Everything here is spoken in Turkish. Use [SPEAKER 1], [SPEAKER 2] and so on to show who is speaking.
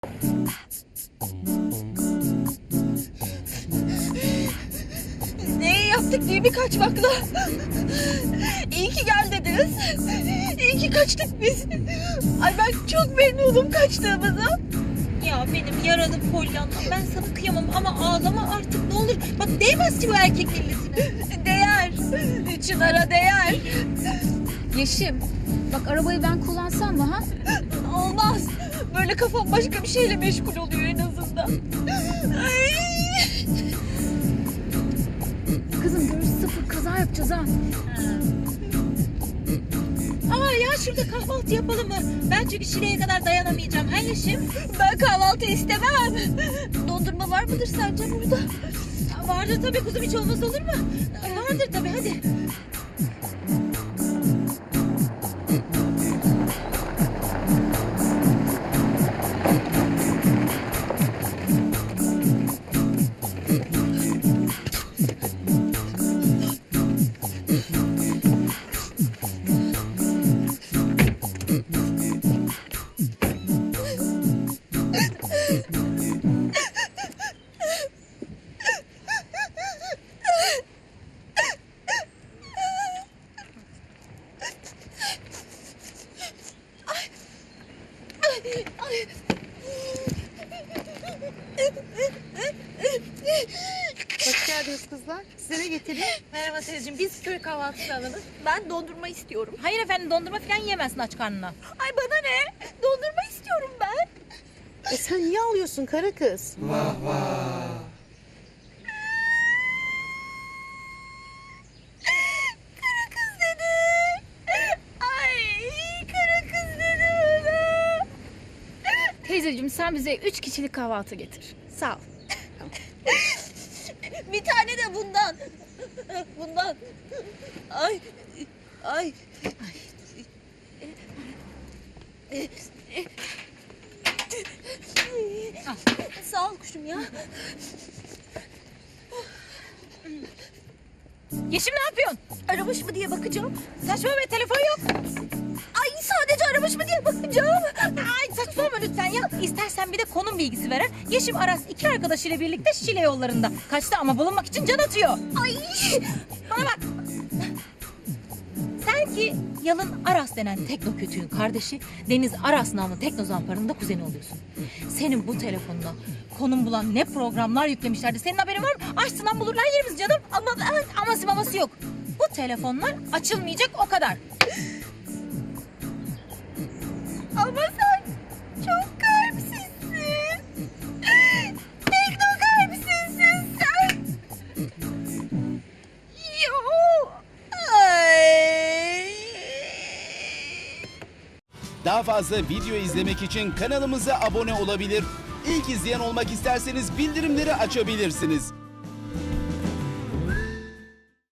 [SPEAKER 1] Ne yaptık değil mi kaçmakla? İyi ki gel dediniz. İyi ki kaçtık biz. Ay ben çok memnunum kaçtığımıza.
[SPEAKER 2] Ya benim yaralı Pollyanna'm, ben sana kıyamam ama ağlama artık ne olur. Bak değmez ki bu erkek milletine.
[SPEAKER 1] Değer. Çınar'a değer.
[SPEAKER 3] Yeşim, bak arabayı ben kullansam mı ha?
[SPEAKER 1] Olmaz. Böyle kafam başka bir şeyle meşgul oluyor en azından. Ay.
[SPEAKER 3] Kızım görüş sıfır, kaza yapacağız ha.
[SPEAKER 2] Aa ya şurada kahvaltı yapalım mı? Ben çünkü Şile'ye kadar dayanamayacağım. Ha Yeşim?
[SPEAKER 1] Ben kahvaltı istemem. Dondurma var mıdır sence burada?
[SPEAKER 2] Vardır tabii kuzum, hiç olmaz olur mu? Vardır tabii, hadi.
[SPEAKER 4] Hoş geldiniz kızlar. Size ne getireyim?
[SPEAKER 2] Merhaba teyzeciğim, biz köy kahvaltısı alalım.
[SPEAKER 1] Ben dondurma istiyorum.
[SPEAKER 2] Hayır efendim, dondurma falan yiyemezsin aç karnına.
[SPEAKER 1] Ay bana ne? Dondurma istiyorum ben.
[SPEAKER 4] Sen niye alıyorsun kara kız?
[SPEAKER 1] Kara kız dedi. Ay kara kız dedi bana.
[SPEAKER 3] Teyzeciğim sen bize 3 kişilik kahvaltı getir. Sağ ol.
[SPEAKER 1] Bir tane de bundan. Bundan. Ay. Ay. Sağ ol kuşum ya.
[SPEAKER 2] Yeşim ne yapıyorsun?
[SPEAKER 1] Aramış mı diye bakacağım.
[SPEAKER 2] Saçma be, telefon yok.
[SPEAKER 1] Ay sadece aramış mı diye bakacağım.
[SPEAKER 2] Ay saçmalama lütfen ya. İstersen bir de konum bilgisi veren. Yeşim Aras 2 arkadaşıyla birlikte Şile yollarında. Kaçtı ama bulunmak için can atıyor.
[SPEAKER 1] Ay.
[SPEAKER 2] Bana bak. Sen ki Yalın Aras denen tekno kötüğün kardeşi, Deniz Aras namlı tekno zamparının da kuzeni oluyorsun. Senin bu telefonuna konum bulan ne programlar yüklemişlerdi. Senin haberin var mı? Açsından bulurlar yerimiz canım. Ama aması maması yok. Bu telefonlar açılmayacak, o kadar.
[SPEAKER 1] Ama sen çok kalpsizsin. Tekno kalpsizsin sen. Yo. Ay.
[SPEAKER 5] Daha fazla video izlemek için kanalımıza abone olabilir. İlk izleyen olmak isterseniz bildirimleri açabilirsiniz.